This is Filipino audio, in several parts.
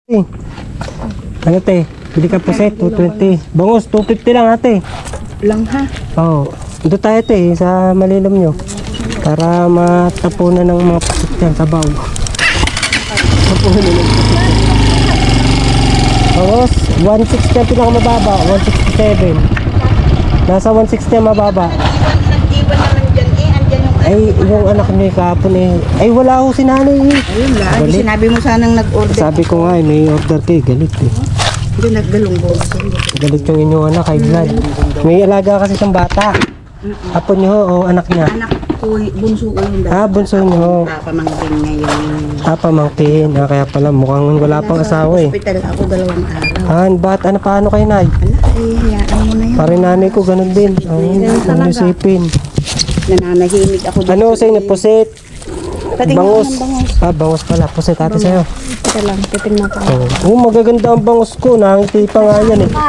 Ano te? Bili ka puset, 220. Bangos, 250 lang ate. Lang ha? Oo. Ito tayo te, sa malilom nyo. Para matapunan ng mga puset yan, sabaw. Tapunan ng puset. Bangos, 160 ang pinakamababa, 167. Nasa 160 ang mababa. Nag-iwan naman dyan andyan yung... Ay, yung anak niya kahapon ay wala ako si nanay Ayun lang, Galit. sinabi mo sanang nag-order. Sabi ko nga may order kayo, galit Hindi, naggalunggo. Galit yung inyong anak, high blood. May alaga kasi siyang bata. Apo niyo o anak niya? Anak ko, bunso ko yung dati. Bunso niyo. Pamangkin ngayon. Pamangkin. Kaya pala mukhang wala pang asawa eh. Hospital ako 2 araw. Paano kayo nay? Ala, hayaan mo na yun. Pare nanay ko ganun din. Ang isipin. Nananahimik ako dito. Ano sa inyo? Pusit? Patingin Bangus? ng bangus. Bangus pala. Pusit ate sa'yo. Ito lang, titingnan ko. Magaganda ang bangus ko. Nangiti pa nga yan eh.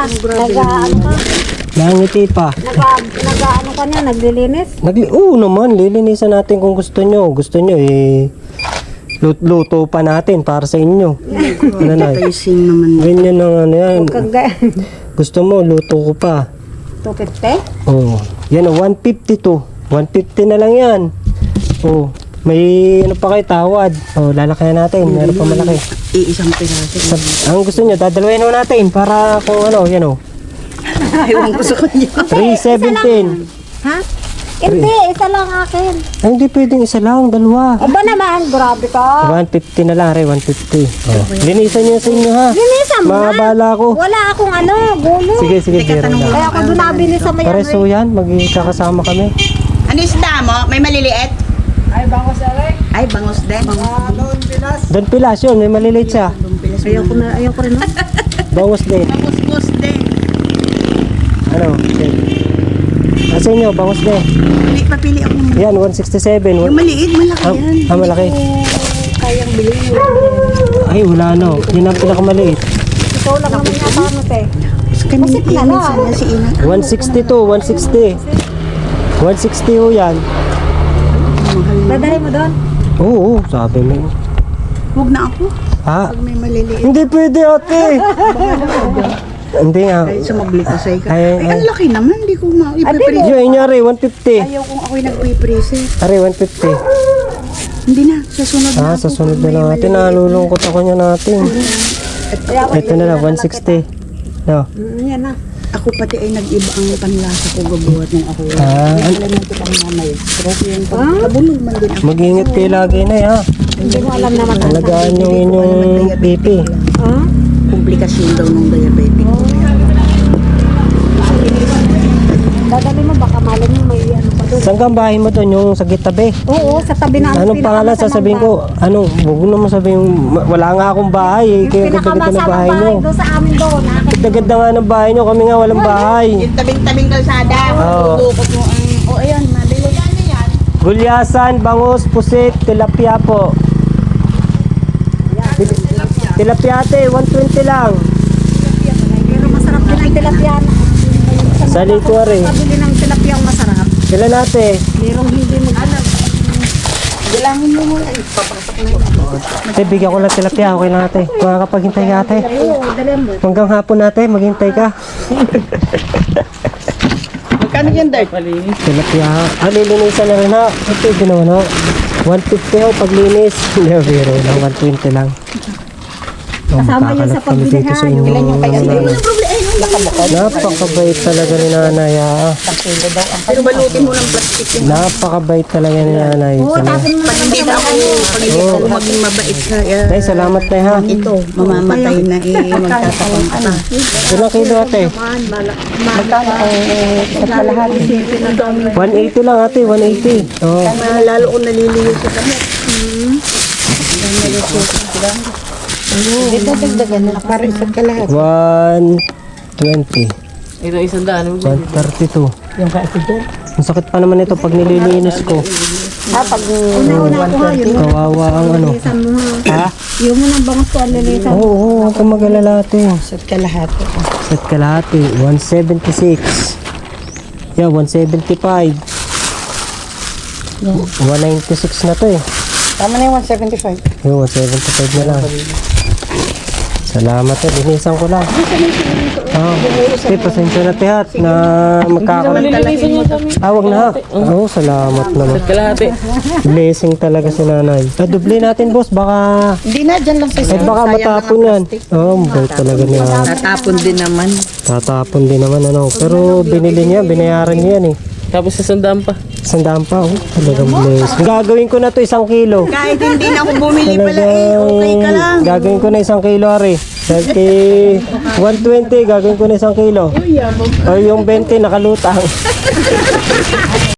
Nangiti pa. Nag-ano ka niya, naglilinis? Oo naman, lilinisan natin kung gusto nyo. Gusto nyo luto pa natin para sa inyo. Ano na? Pricing naman. Ganyan ang ano yan. Kag Gusto mo, luto ko pa. 250? Oh, yan o, 150 to. 150 na lang yan. Oh, may ano pa kayo tawad. Oh, lalakayan natin. Meron pa malaki. Iisang piraso. Ang gusto nyo, dadalawin ho natin para kung ano, yan o. Ayaw ko sa kanya. 317. Ha? Hindi, isa lang akin. Ay, hindi pwedeng isa lang, dalawa. Aba naman, grabe ka. 150 na lang, 150. Oh. Linisan nyo sa inyo ha. Linisan mo na. Mabala ko. Wala akong gulo. Sige, zero tanong lang. Kaya ako doon nabili sa may Pares ho yan, magkakasama kami. Ano isda mo? May maliliit? Ay, bangos din. Don Pilas yun, may maliliit siya. Ayaw ko rin. Bangus din. Bangos din. Ano? Nasa inyo, bangus din. Papili ako ng... Yan, 167. Yung maliit, malaki yan. Malaki. Kayang bilhin. Ay, wala no. Yun ang pinakamaliit. Ikaw lang naman yata ano, te. Kami Masip na lang. sana si Ina. 160 to, 160. 160 ho yan. Dadali mo doon? Oo, sabi mo. Huwag na ako. Ha? Pag may maliliit. Hindi pwede ate. Hindi nga. Kahit sumabli ko sa'yo ka. Ay, Ay, ang laki naman. Hindi ko ma-ipiprese. Yun, inyari, 150. Ayaw kung ako'y nagpiprese. Ari, 150. Hindi na. Sa sunod na Sa sunod na lang natin. Nalulungkot ako niya natin. Ito na lang, 160. No. Yan na. Ako pati ay nag-iba ang panlasa ko gabuhat ng ako. Alam mo kitang mamay. Pero yung pagkabulog man din ako. Mag-ingat kayo lagi na ha. Hindi mo alam naman. Alagaan yung inyong BP. Ha? Komplikasyon daw ng diabetic ko. Dadali mo, baka malam mo may ano pa doon. Saan ka ang bahay mo doon? Yung sa gitabi? Oo, sa tabi na Anong pangalan sasabihin ko? Huwag mo naman sabihin, wala nga akong bahay eh. Kaya ganda-ganda ng bahay nyo. doon sa amin doon. Ganda-ganda nga ng bahay nyo. Kami nga walang bahay. Yung tabing-tabing kalsada. Oo. Bukot mo ang... O ayan, mabili. Yan na yan. Gulyasan, bangus, pusit, tilapia po. Tilapia ate, 120 lang. Pero masarap din ang tilapia. Sa likwa rin. Pabili ng tilapia ang masarap. Sila natin. Merong hindi mo alam. Galangin mo muna. Papasok na yun. Ate, bigyan ko lang tilapia. Okay lang ate. Makakapaghintay ka ate. Oo, dali mo. Hanggang hapon ate, maghintay ka. Magkano yan, Dart? Tilapia. Lilinisan na rin ha. Ito, ginawa na. 150 ho paglinis. Hindi, biro lang. 120 lang. Kasama yun sa pagbili ha. Ilan yung kaya? Hindi mo na problema. Napakabait talaga ni nanay ha. Pero balutin mo ng plastic yun. Napakabait talaga ni nanay. Oo, tapon mo Pag hindi na ako, pag hindi ako maging mabait sa... Nay, salamat na ha. Ito, mamamatay na magtatapang ka na. Ilang kilo ate? Magkano ang sa lahat? 180 lang ate, 180. Oo. Lalo ko naliliyo sa kamot. Dito dagdagan na para isa't ka lahat. 120. Ito isang daan. 132. Yung kaasigan. Ang sakit pa naman ito pag nililinis ko. Pag Una ko ha, yun. Kawawa ang ano. Linisan mo ha. Ha? Yung mo nang bangus ko ang linisan. Oo, huwag kang mag-alala ate. isa't ka lahat. Set kalahati, 176. Yeah, 175. 196 na to eh. Tama na yung 175. Yung 175 na lang. Salamat eh, linisan ko lang. Pasensya na tihat na magkakaroon. Wag na. Salamat naman. Kalahati. Blessing talaga si nanay. Duble natin boss, baka Hindi na, dyan lang sa baka matapon yan. Mabait talaga niya. Tatapon din naman. Tatapon din naman ano. Pero binili niya, binayaran niya yan eh. Tapos sa sandaan pa. 100 pa, talagang blessing. Gagawin ko na to 1 kilo. Kahit hindi na ako bumili pala okay ka lang. Gagawin ko na 1 kilo, Ari. Dahil kay 120, gagawin ko na 1 kilo. O yung 20 nakalutang.